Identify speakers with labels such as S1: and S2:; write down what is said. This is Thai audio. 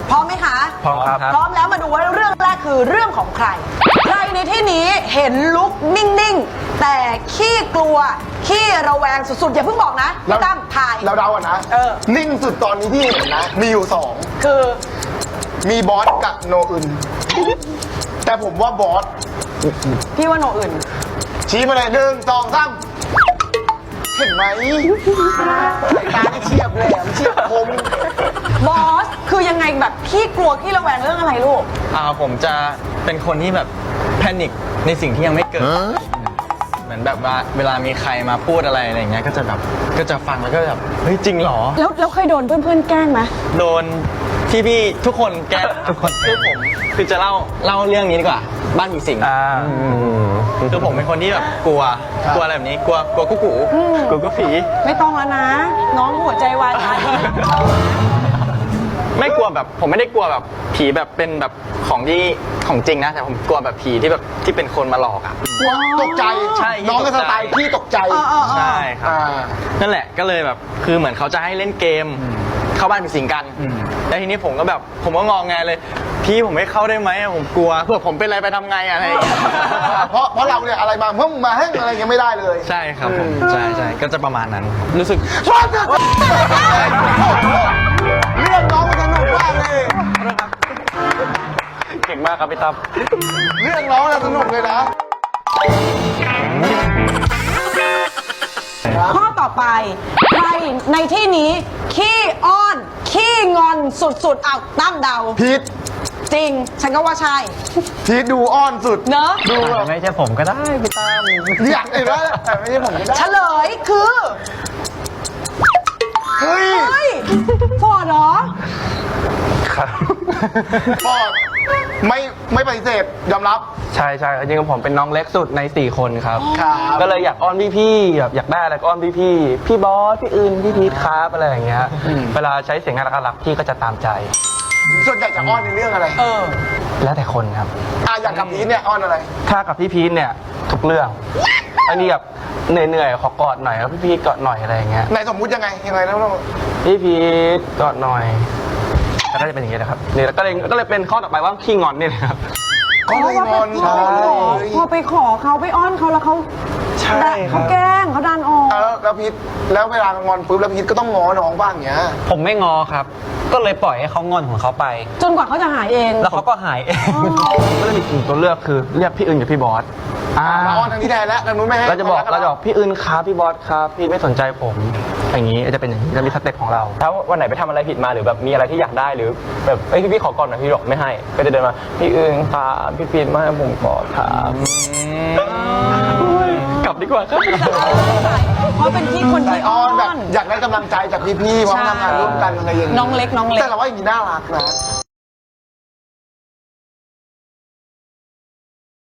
S1: พร้อมไหมคะ
S2: พร้อมครับ
S1: พร้อมแล้วมาดูว่าเรื่องแรกคือเรื่องของใคร ใครในที่นี้เห็นลุกนิ่งๆแต่ขี้กลัวขี้ระแวงสุดๆอย่าเพิ่งบอกนะพี่ตั้มถ่าย
S3: เราเดาอ่ะนะ นิ่งสุดตอนนี้ที่เห็นนะ มีอยู่สอง
S1: คือ
S3: มีบอสกับโนอึนแต่ผมว่าบอส
S1: พี่ว่าโนอื่น
S3: ชี้มาเลย1 2 3เห็นไหมสายตาที่เฉียบแหลมเฉียบคม
S1: บอสคือยังไงแบบขี้กลัวขี้ระแวงเรื่องอะไรลูก
S2: ผมจะเป็นคนที่แบบแพนิคในสิ่งที่ยังไม่เกิด เหมือนแบบว่าเวลามีใครมาพูดอะไรอย่างเงี้ยก็จะแบบก็จะฟังแล้วก็แบบเฮ้ยจริงเหรอ
S1: แล้วเคยโดนเพื่อนๆแกล้งไหม
S2: โดนพี่ทุกคนแกทุกคนคือผมคือจะเล่าเรื่องนี้ดีกว่าบ้านผีสิงคือผมเป็นคนที่แบบกลัวอะไรแบบนี้กลัวกุ๊กกูกลัวผี
S1: ไม่ต้องแล้วนะ น้องหัวใจวายตาย
S2: ไม่กลัวแบบผมไม่ได้กลัวแบบผีแบบเป็นแบบของจริงนะแต่ผมกลัวแบบผีที่แบบที่เป็นคนมาหลอกอ่ะ
S3: ตกใจ
S2: ใช่
S3: น้องก็สไตล์พี่ตกใจ
S2: ใช่ครับนั่นแหละก็เลยแบบคือเหมือนเขาจะให้เล่นเกมเข้าบ้านผีสิงกันแล้วทีนี้ผมก็งองแงเลยพี่ผมไม่เข้าได้ไหมผมกลัวเผื่อผมเป็นอะไรไปทำไงอะไรอย่างเงี้ย
S3: เพราะเราเนี่ยอะไรมาเพิ่งมาให้อะไรยังไม่ได้เลย
S2: ใช่ครับผมใช่ก็จะประมาณนั้น รู้สึก
S3: เรื่องน้องมันสนุกมากเลย
S2: เก่งมากครับพี่ตั้ม
S3: เรื่องน้องน่ะสนุกเลยนะ
S1: ข้อต่อไปใครในที่นี้ขี้อ้อนขี้งอนสุดๆเอาตั้มเดา
S3: พีท
S1: จริง ฉันก็ว่าใช่
S3: พีทดูอ้อนสุด
S1: เนอะ
S3: ดูแบบ
S2: ไม่ใช่ผมก็ได้พี่ตั้ม
S3: อยากเห็นว่าแต่ไม่ใช่ผมก็ได้
S1: เฉลยคือ
S3: เฮ้ย
S1: เฮ้ยฟอร์ดเหรอ
S3: ปอดไม่ปฏิเสธยอมรับ
S4: ใช่จริงๆผมเป็นน้องเล็กสุดใน4 คนครับ
S3: ครับ
S4: ก็เลยอยากอ้อนพี่ๆแบบอยากได้อะไรก็อ้อนพี่ๆพี่บอสพี่อื่นพี่พีทครับอะไรอย่างเงี้ยเวลาใช้เสียงน่ารักๆพี่ก็จะตามใจ
S3: ส่วนใหญ่จะอ้อนในเรื่องอะไร
S4: แล้วแต่คนครับ
S3: อย่างกับพีทเนี่ยอ้อนอะไร
S4: ถ้ากับพี่พีทเนี่ยทุกเรื่องอันนี้แบบเหนื่อยๆขอกอดหน่อยแล้วพี่พีทกอดหน่อยอะไรอย่างเงี้ย
S3: ในสมมุติยังไงแล้วเรา
S4: พี่พีทกอดหน่อยแล้วก็จะเป็นอย่างเงี้ยนะครับนี่ก็เลยเป็นข้อต่อไปว่าขี้งอนเนี่ยนะครับ
S3: ก็เลยงอน
S1: พอไปขอเขาไปอ้อนเขาแล้วเขา
S4: ใช่ครับ
S1: เขาแกล้งเขาดันออก
S3: แล้วพีทแล้วเวลางอนปุ๊บแล้วพีทก็ต้องง้อน้องบ้างอย่างเงี้ย
S5: ผมไม่งอครับ ก็เลยปล่อยให้เขางอนของเขาไป
S1: จนกว่าเขาจะหายเอง
S5: แล้วเขาก็หายเอง
S4: ก็เลยมีกลุ่มตัวเลือกคือเรียกพี่อื่นกับพี่บอส
S3: มาอ้อนทางนี้แทนแล้วทางนู้นไม่ให้
S4: เราจะบอกพี่อื่นครับพี่บอสครับพี่ไม่สนใจผมอย่างนี้จะเป็นอย่างนี้จะมีสเต็ปของเรา
S6: ถ้าวันไหนไปทำอะไรผิดมาหรือแบบมีอะไรที่อยากได้หรือแบบพี่ขอก่อนหน่อยพี่บอกไม่ให้ก็จะเดินมาพี่อื่นครับพี่พีทมาให้ผมก่อนครับกลับดีกว่าครับ
S1: เพราะเป็นพี่คน
S3: ใจ
S1: ที่
S3: อ้
S1: อ้
S3: อ
S1: อน น
S3: แบบอยากได้กำลังใจจากพี่ๆเพราะทำงานร่วมกันอะไรอย่างเงี้ย
S1: น้องเล็ก
S3: แต่เราว่าอย่างนี้น่ารักนะ